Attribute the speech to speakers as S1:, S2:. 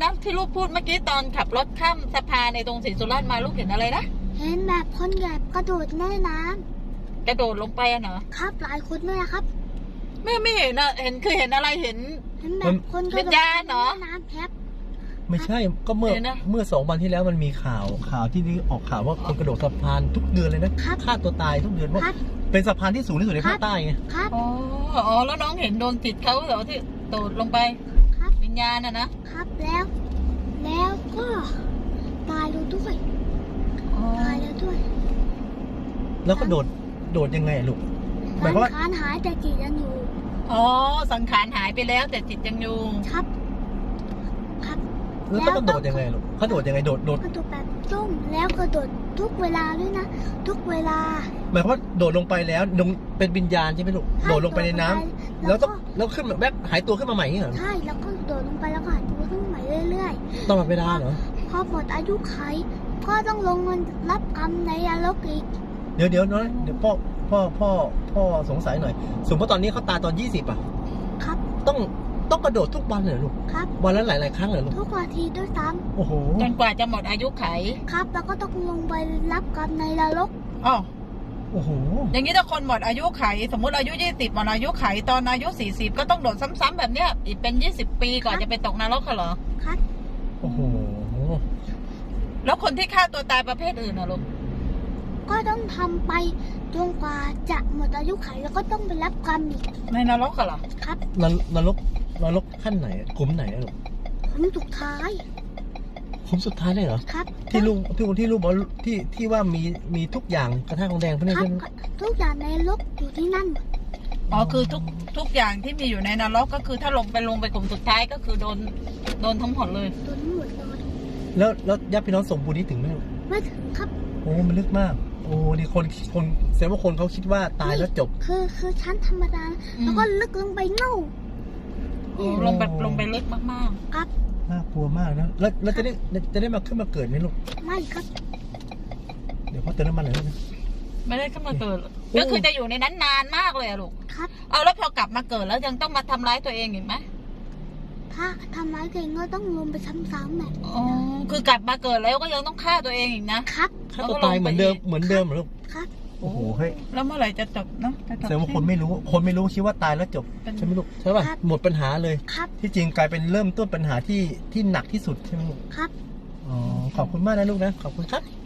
S1: นะที่ลูกพูดเมื่อกี้ตอนขับรถข้ามสะพานในตรงศรีสุราษฎร์มาลูกเห็นอะไรนะ
S2: เห็นแบบคนใหญ่กระโดดแม่น้
S1: กระโดดลงไปอะเนาะ
S2: ำครับหลายคนด้วยนะครับ
S1: ไม่เห็นอะเห็นคือเห็นอะไรเห็น
S2: แบบคนกระโดด
S1: วิญญาณเหรอ
S2: แม่น้ำครับ
S3: ไม่ใช่ก็เมื่อ2 วันที่แล้วมันมีข่าวที่นี่ออกข่าวว่าคนกระโดดสะพานทุกเดือนเลยนะฆ่าตัวตายทุกเดือนว่าเป็นสะพานที่สูงที่สุดในภาคใต้ไง
S2: ครับ
S1: อ๋อแล้วน้องเห็นดวงจิตเขาเหรอที่โดดลงไป
S2: ครับ
S1: วิญญาณนะครับ
S2: แล้วก็ตายแล้วด้วยตายแล้วด้วย
S3: แล้วก็โดดยังไงลูกหมายความว่า
S2: สังขารหายแต่จิตยังอยู่
S1: อ๋อสังขารหายไปแล้วแต่จิตยังอยู่
S2: ครับ
S3: แล้วก็โดดยังไงลูกเขาโดดยังไงโดด
S2: กระโดดแบบจุ้งแล้วกระโดดทุกเวลาด้วยนะทุกเวลา
S3: หมายความว่าโดดลงไปแล้วเป็นวิญญาณใช่ไหมลูกโดดลงไปในน้ำแล้วขึ้นแบบหายตัวขึ้นมาใหม่อย่างนี้เหรอ
S2: ใช่แล้วก็โดดลงไปแล้วก็หายตัวขึ้นมาใหม่เรื่อย
S3: ๆตลอดเวลาเหรอ
S2: พอหมดอายุไขก็ต้องลงเงินรับกรรมในนรกอีก
S3: เดี๋ยวพ่อสงสัยหน่อยสมมติตอนนี้เขาตายตอน20อ่ะ
S2: ครับ
S3: ต้องกระโดดทุกวันเลยลูก
S2: ครับ
S3: วันละหลายครั้งเลยลูก
S2: ทุกนาทีด้วยซ้
S3: ำโอ้โห
S1: จนกว่าจะหมดอายุไข
S2: ครับแล้วก็ต้องลงไปรับกรรมในนรก
S1: อ๋อ
S3: โอ้โห
S1: อย่างนี้ถ้าคนหมดอายุไขสมมุติอายุ20หมดอายุไขตอนอายุ40ก็ต้องโดดซ้ำๆแบบเนี้ยอีกเป็น20 ปีก่อนจะไปตกนรกเหรอ
S2: ครับ
S3: โอ้โห
S1: แล้วคนที่ฆ่าตัวตายประเภทอื่นนะลูก
S2: ก็ต้องทำไปจนกว่าจะหมดอายุไขแล้วก็ต้องไปรับกรรมอีก
S1: ในนรกเหรอ
S2: ครับ
S3: นรกขั้นไหนขุมไหนลูก
S2: ขุมสุดท้าย
S3: ขุมสุดท้ายเลยเหรอ
S2: ครับ
S3: ที่ลูกบอกที่ว่ามีทุกอย่างกระทะทองแดงพวกนี้ใช่ไหม
S2: ทุกอย่างในนรกอยู่ที่นั่น
S1: อ๋อคือทุกอย่างที่มีอยู่ในนรกก็คือถ้าลงไปขุมสุดท้ายก็คือโดนทั้งหมดเลย
S2: โดนทั้งหมดเลย
S3: แล้วญาติพี่น้องสมบูรณ์นี้ถึงไหม
S2: ไม่ถึงครับ
S3: โอ้มันลึกมากโอ้นี่คนแสดงว่าคนเขาคิดว่าตายแล้วจบ
S2: คือชั้นธรรมดาแล้วก็ลึกลงไปเน่า
S1: ลงไปลึกมาก
S2: ๆครับ
S3: น่ากลัวมากนะแล้วจะได้มาขึ้นมาเกิดไหมลูก
S2: ไม่ครับ
S3: เดี๋ยวพ่อเติมน้ำมันหน่อยนะ
S1: ไม่ได้ขึ้นมาเกิดก็คือจะอยู่ในนั้นนานมากเลยอะลูก
S2: ครับ
S1: เอาแล้วพอกลับมาเกิดแล้วยังต้องมาทำร้ายตัวเองอีกไหม
S2: ถ้าทำร้ายตัวเองก็ต้องลงไปซ้ำๆแบบ
S1: อ๋อคือกลับมาเกิดแล้วก็ยังต้องฆ่าตัวเองอีกนะครับ
S3: ฆ่าตัวตายเหมือนเดิมเหรอลูก
S2: ครับ
S3: โอ้โหเฮ้ย
S1: แล้วเมื่อไหร่จะจบเนาะ
S3: แสดงว่าคนไม่รู้คิดว่าตายแล้วจบใช่ไหมลูกใช่ป่ะหมดปัญหาเลยที่จริงกลายเป็นเริ่มต้นปัญหาที่หนักที่สุดใช่ไหมลูก
S2: ครับ
S3: อ๋อขอบคุณมากนะลูกนะขอบคุณครับ